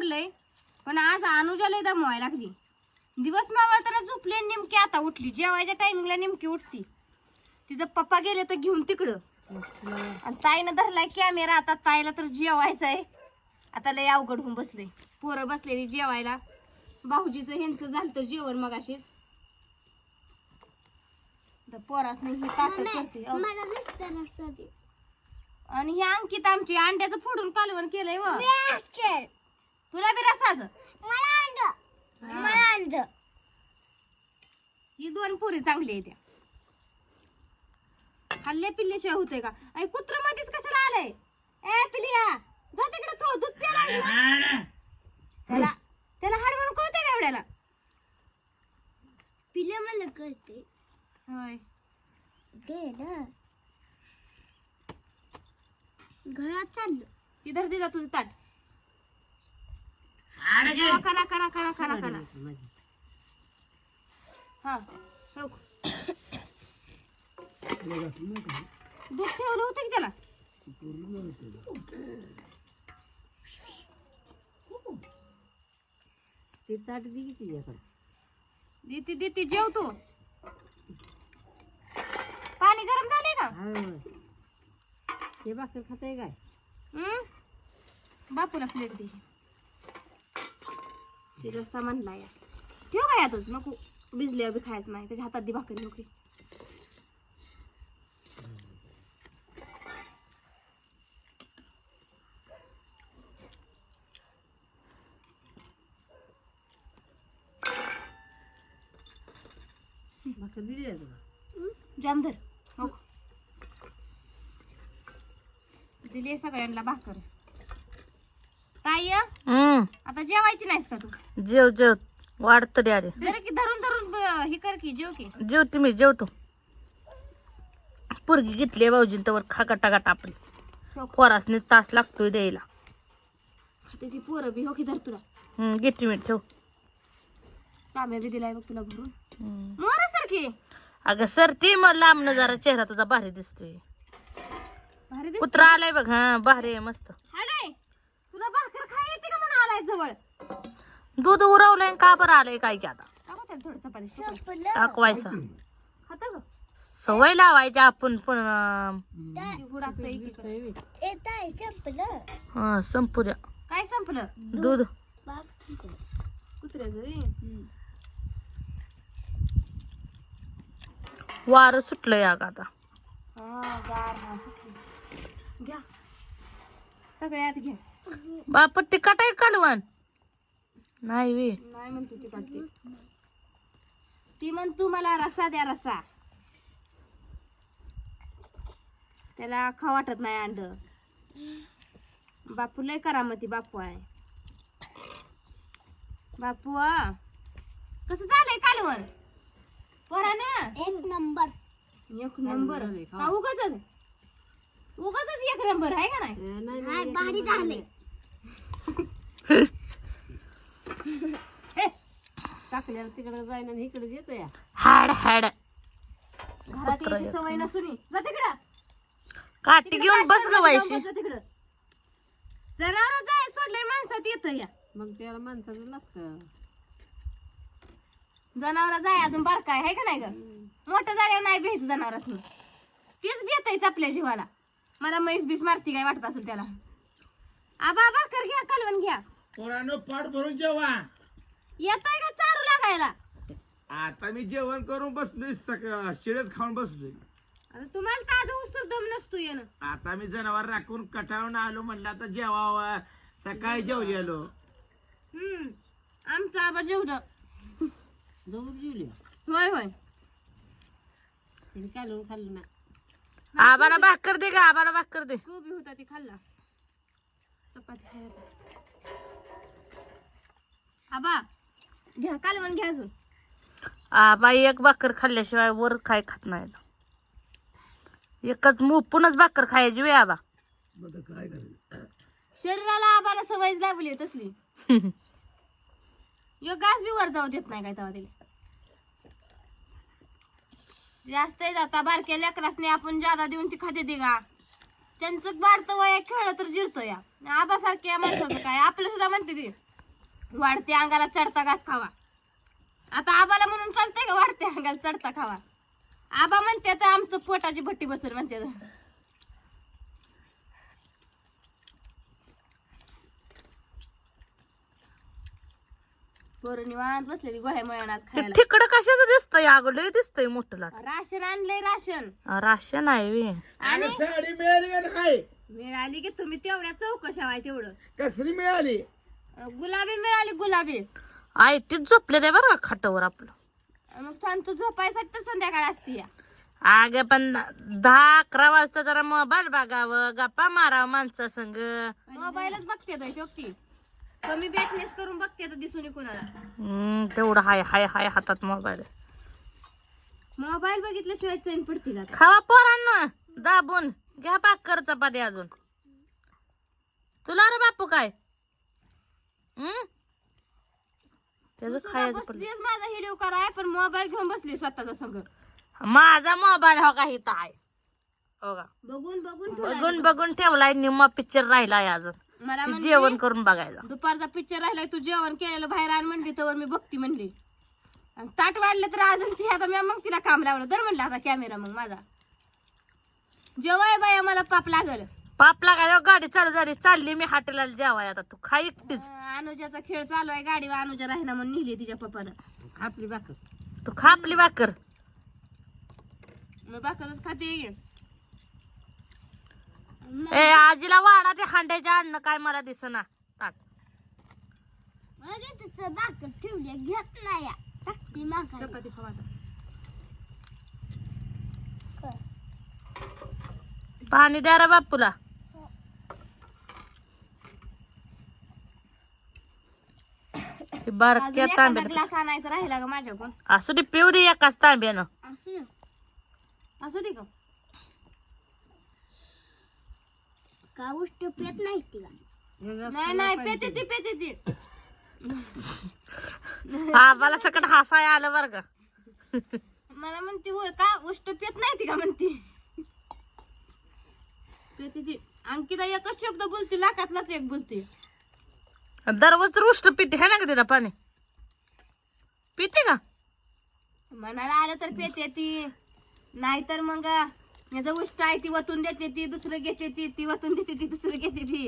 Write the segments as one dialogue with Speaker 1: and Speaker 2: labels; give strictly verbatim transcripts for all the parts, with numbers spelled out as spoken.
Speaker 1: आवरलंय पण आज अनुजाला दमवाय लागली. दिवस मावळताना झोपले नेमकी आता उठली. जेवायच्या टायमिंगला नेमकी उठती. तिचं पप्पा गेले तर घेऊन तिकडं आणि ताईनं धरलाय कॅमेरा. आता ताईला तर जेवायचंय. आता लय अवघड होऊन बसले. पोरं बसलेली जेवायला. भाऊजीचं ह्यांचं झालं जेवण मग अशीच पोरास नाही हे ताट करते. आणि हे अंकित आमची अंड्याचं फोडून कालवण केलंय व तुला बी रसाच ही दोन पुरी चांगली आहे त्या. हल्ले पिल्ल्याशिवाय होतंय का? आणि कुत्र मध्येच कशाला आलंय? ए पिलिया जा तिकडे. तू दूध प्याला त्याला त्याला हाड म्हणून कळतंय का एवढ्याला?
Speaker 2: पिल्या मला कळते.
Speaker 1: होय
Speaker 2: गेलं घरात चाललो.
Speaker 1: इधर दे जा तुझं ताट. जेवा करा करा करा करा करा. हा हो. दूध ठेवलं होतं की त्याला?
Speaker 3: ते ताट दे की तिच्याकडे.
Speaker 1: देते देते जेव तू. पाणी गरम झाले का?
Speaker 3: ते भाकर खाताय काय?
Speaker 1: हम्म बापूला प्लेट दे. ते रस्सा म्हणला या ठेव काय यातच नको. भिजल्यावर बी खायचं नाही. त्याच्या हातात दे भाकरी नोकरी.
Speaker 3: भाकर दिली आहे तुला?
Speaker 1: जाम धर हो. दिली सगळ्यांना भाकर. ताई आता जेवायची नाहीस का तू?
Speaker 3: जेव जेव वाढ तरी आले.
Speaker 1: जरा की धरून धरून ब- हे कर की जेव की.
Speaker 3: जेवते मी जेवतो. पोरगी घेतली भाऊजीन तर खा गटा गटा आपली. पोरासने तास लागतोय द्यायला.
Speaker 1: आता ती पोरं बी हो की धर तुला.
Speaker 3: हम्म घेते मी ठेव.
Speaker 1: तांब्या बी दिलाय बघ तुला भरून.
Speaker 3: हम्म.
Speaker 1: मोर सारखी
Speaker 3: अगं सर ती मग लांबन जरा चेहरा तुझा भारी दिसतोय.
Speaker 1: भारी दिसत.
Speaker 3: कुत्रा आलाय बघ. हा भारी आहे मस्त.
Speaker 1: हाडे तुला भाकर खाय येते का म्हणून आलाय जवळ?
Speaker 3: दूध उरवलंय का बरं आलंय काय की आता
Speaker 1: टाकू त्याला थोडं चपाती.
Speaker 2: संपलं.
Speaker 3: टाकवायचं.
Speaker 1: खाता ग
Speaker 3: सवय लावायची आपण पण. अं,
Speaker 1: हुडाकतं एकीकडे.
Speaker 2: येत आहे संपलं.
Speaker 3: हा संपू द्या.
Speaker 1: काय संपलं?
Speaker 3: दूध
Speaker 2: बाप संपलं.
Speaker 1: कुत्र्याचं रे.
Speaker 3: वार सुटलंय अग आता.
Speaker 1: हा गार हा सुटली. घ्या सगळ्यात घ्या.
Speaker 3: बाप ती कटाय कालवण नाही वे.
Speaker 1: नाही म्हणतो ती काढते. ती म्हणतो मला रस्सा द्या रस्सा. त्याला खा वाटत नाही अंड. बापू लय करामती बापू आहे. बापू आ, कसं झालंय कालवण? पोरानं
Speaker 2: एक नंबर.
Speaker 1: एक नंबर का उगाच उगाच एक नंबर आहे का नाही?
Speaker 2: नाही भारी झाले.
Speaker 3: टाकल्यावर तिकडे जाईन आणि इकडे येतो या.
Speaker 1: हाड हाड घरात यायची सवय नसून जा तिकडं.
Speaker 3: काठी घेऊन बस ग वायशी.
Speaker 1: तिकडं जनावर जाय सोडले माणसात येत या.
Speaker 3: मग त्याला माणसाचं लागतं.
Speaker 1: जनावर जाय अजून बारका आहे का नाही ग? मोठं झाल्यावर नाही भ्यायचं जनावरांनी. तेच भेटायच आपल्या जीवाला. मला म्हैस बीस मारती काय वाटत असेल त्याला. आबा भाकर घ्या कालवण घ्या.
Speaker 4: पोरांनो पाठ भरून जेवा.
Speaker 1: येताय का चारू लागायला?
Speaker 4: आता मी जेवण करून बसलोय. सकाळ शिळेच खाऊन बसलोय.
Speaker 1: आता तुम्हाला ताजं उस्तर दम नसतो येणं.
Speaker 4: आता मी जनावर राखून कटाळून आलो. म्हणलं आता जेवावं. सकाळी जेवलेलो.
Speaker 1: हम्म आमचं आबा जेवलं.
Speaker 3: जाऊन जेवली
Speaker 1: होय होय
Speaker 3: तिने कालवून खाल्लं ना. आबाला भाकर दे का? आबाला भाकर दे.
Speaker 1: गोबी होता ती खाल्ला. चपाती खायला. आबा घ्या कालवण घ्या अजून.
Speaker 3: आबा एक भाकर खाल्ल्याशिवाय वर काय खात नाही. एकच मुपूनच भाकर खायची वे आबा.
Speaker 1: शरीराला आबाला सवयच लागली आहे तसली. यो गास बी वर जाऊ देत नाही काय तेव्हा तिला. जास्त जाता बारक्या लेकरासने आपण जादा देऊन ती खाते ते का? त्यांचं वाढतं वया खेळलं तर जिरतो या. आबासारख्या माणसाचं काय आपलं सुद्धा म्हणते ती वाढते अंगाला चढता घास खावा. आता आबाला म्हणून चालतंय का वाढते अंगाला चढता खावा? आबा म्हणते तर आमचं पोटाची भट्टी बसून म्हणते. पोरं निवांत बसलेली गोळ्या मळ्यानं आज
Speaker 3: ते
Speaker 1: खायला.
Speaker 3: तिकडं कशाचं दिसतंय अगं लय दिसतंय मोठं लाट.
Speaker 1: राशन आणलंय राशन.
Speaker 3: आ, राशन आहे वे.
Speaker 1: आणि
Speaker 4: साडी मिळाली का नाही?
Speaker 1: मिळाली की तुम्ही तेवढ्या चौकशा व्हाय तेवढं.
Speaker 4: कसली मिळाली?
Speaker 1: गुलाबी मिळाली गुलाबी.
Speaker 3: आई तीच झोपले ते बरं का खाटावर आपलं.
Speaker 1: मग शांत झोपायसाठी तर संध्याकाळ असते.
Speaker 3: अगे पण दहा अकरा वाजता जरा मोबाईल बघावं गप्पा मारावं माणसा संग.
Speaker 1: मोबाईलच बघते तो तो ती कमी बॅटनेस करून बघते तर दिसून कुणाला.
Speaker 3: हम्म तेवढं हाय हाय हाय हातात मोबाईल.
Speaker 1: मोबाईल बघितल्याशिवाय चैन पडतील आता.
Speaker 3: खावा पोरांनो दाबून घ्या भाकर चपाती अजून. तुला रे बापू काय हम्म त्याचं
Speaker 1: तू
Speaker 3: खायचं
Speaker 1: सुद्धा
Speaker 3: पण.
Speaker 1: बसलीस माझा व्हिडिओ कराय पण मोबाईल घेऊन बसली स्वतःचा संग.
Speaker 3: माझा मोबाईल हो का इथं आहे हो का.
Speaker 1: बघून बघून ठेवलाय.
Speaker 3: बघून बघून ठेवलाय निम्मा पिक्चर राहिलाय अजून.
Speaker 1: मला
Speaker 3: ती
Speaker 1: म्हणली,
Speaker 3: जेवण करून बघायला.
Speaker 1: दुपारचा पिक्चर राहिलाय तू जेवण केलेलं बाहेर आण म्हणली तर मी बघती म्हणली. आणि ताट वाढलं तर अजून ती आता मी मग तिला काम लावलं तर म्हणलं आता कॅमेरा मग माझा जेवाय बाया मला पाप लागल.
Speaker 3: पाप लागाय गाडी चालू झाली चालली मी हॉटेलला जेवाय. आता तू खा एकटीच.
Speaker 1: अं, अनुजाचा खेळ चालू आहे गाडीवर. अनुजा राहिना म्हणून नेली तिच्या पप्पानं.
Speaker 3: आपली भाकर तू खा आपली भाकर.
Speaker 1: मग भाकरच खाते.
Speaker 3: ए आजीला वाडा ते हांड्याच्या अन्न काय मला दिसना ताट.
Speaker 2: अरे तिथं भाकर ठेवली घेत नाही या. टाकती माघारी.
Speaker 1: चपाती खावा आता.
Speaker 3: पाणी द्या रे बापूला. हे
Speaker 1: अजून
Speaker 3: बारक्या
Speaker 1: एखादा
Speaker 3: तांब्यात
Speaker 1: ग्लास आणायचा राहिला का माझ्याकडून.
Speaker 3: असू दे पिऊ दे एकाच तांब्यानं.
Speaker 1: असू असू दे का.
Speaker 2: का गोष्ट पेत नाही ती का?
Speaker 1: नाही नाही पेते ती पेते ती.
Speaker 3: हा मला सकट हसाय आलं बर का.
Speaker 1: मला म्हणती होय का उष्ट पेत नाही ती का म्हणती. पेते ती. अंकिता एकच शब्द बोलते लाखातलाच एक बोलते.
Speaker 3: दररोज रुष्ट पिते है ना का तिला पाणी पिते का.
Speaker 1: मनाला आलं तर पेते ती. नाहीतर मग याचं उष्ट आहे ती वतून देते ती. दुसरं घेते ती ती वतून देते ती दुसरं घेते ती.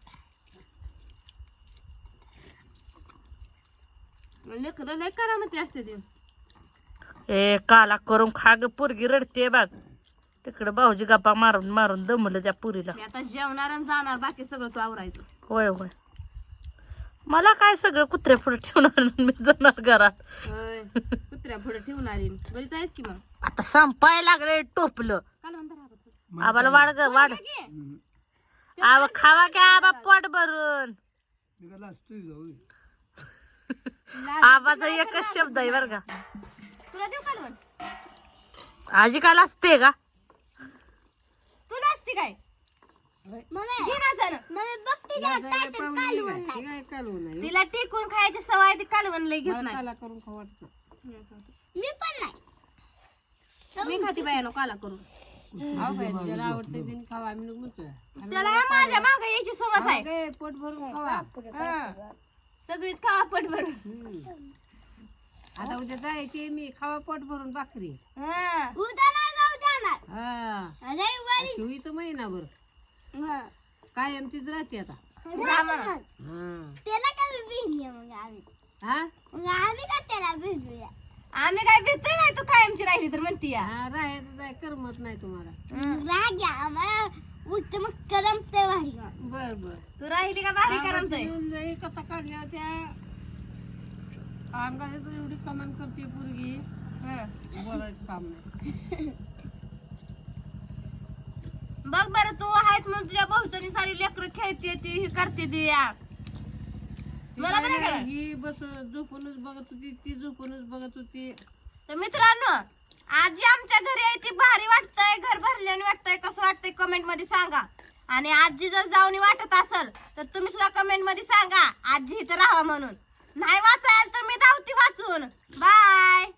Speaker 1: लेकरं लय करामती असते ती.
Speaker 3: ए काला करून खा ग पोरगी रडते बघ. तिकडं भाऊजी गप्पा मारून मारून दमलं त्या पुरीला.
Speaker 1: मी आता जेवणार आणि जाणार बाकी सगळं तू आवरायचं.
Speaker 3: होय होय मला काय सगळं कुत्र्या पुढे ठेवणार मी जाणार घरात.
Speaker 1: होय. कुत्र्या पुढे ठेवणारी बरी जायच की मग.
Speaker 3: आता संपाय लागले टोपलं.
Speaker 1: काल म्हणता राहत
Speaker 3: आबाला वाढ ग वाढ. आव खावा की आबा पोट भरून. आबाचा एकच शब्द आहे बर का.
Speaker 1: तुला देऊ कालवण.
Speaker 3: आजी काल असते का
Speaker 1: तुला असते काय
Speaker 2: मम्मी
Speaker 1: घे ना जरा.
Speaker 2: मम्मी बघते त्या ताटात कालवण नाही.
Speaker 1: तिला टिकून खायची सवय आहे, ती कालवण लई घेत नाही.
Speaker 2: मी पण नाही.
Speaker 1: मी खाती बायानो काला करून. त्याला माझ्या मागे यायची सवय आहे.
Speaker 3: पोट भरून खावा.
Speaker 1: हा. सगळीच खावा पोट भरून.
Speaker 3: आता उद्या जायचे मी खावा पोट भरून भाकरी.
Speaker 1: हा.
Speaker 2: उद्या नाही जाऊ जाणार.
Speaker 3: हा
Speaker 2: रविवारी.
Speaker 3: शिवी तर महिनाभर
Speaker 2: हा.
Speaker 3: कायम तीच राहते आता.
Speaker 2: राहणार. त्याला काय भेटली मग आम्ही.
Speaker 3: हा
Speaker 2: मग आम्ही का त्याला भेटूया.
Speaker 1: आम्ही काय भेटतोय नाही तू कायमची राहिली तर म्हणती या.
Speaker 3: हा राहायचं जाय करमत नाही तुम्हाला.
Speaker 2: राग घ्या आम्हाला उलट मग करमते भारी.
Speaker 3: बर बर
Speaker 1: तू राहिली का भारी करमतय.
Speaker 3: कसा काढल्या त्या अंगाची तर एवढी कमान करते पोरगी. बोलायचं काम नाही.
Speaker 1: बघ बरं तू आहेस म्हणून तुझ्या भाऊचनी सारी लेकरं खेळते ती हे करते ती या. मला बरं करा.
Speaker 3: ही बस झोपूनच बघत होती ती झोपूनच बघत होती.
Speaker 1: तर मित्रांनो आजी आमच्या घरी आहे ती भारी वाटतंय घर भरल्याने वाटतंय कसं वाटतंय कमेंट मध्ये सांगा. आणि आजी जर जाऊन वाटत असेल तर तुम्ही सुद्धा कमेंट मध्ये सांगा आजी इथं राहा म्हणून. नाही वाचायला तर मी धावती वाचून. बाय.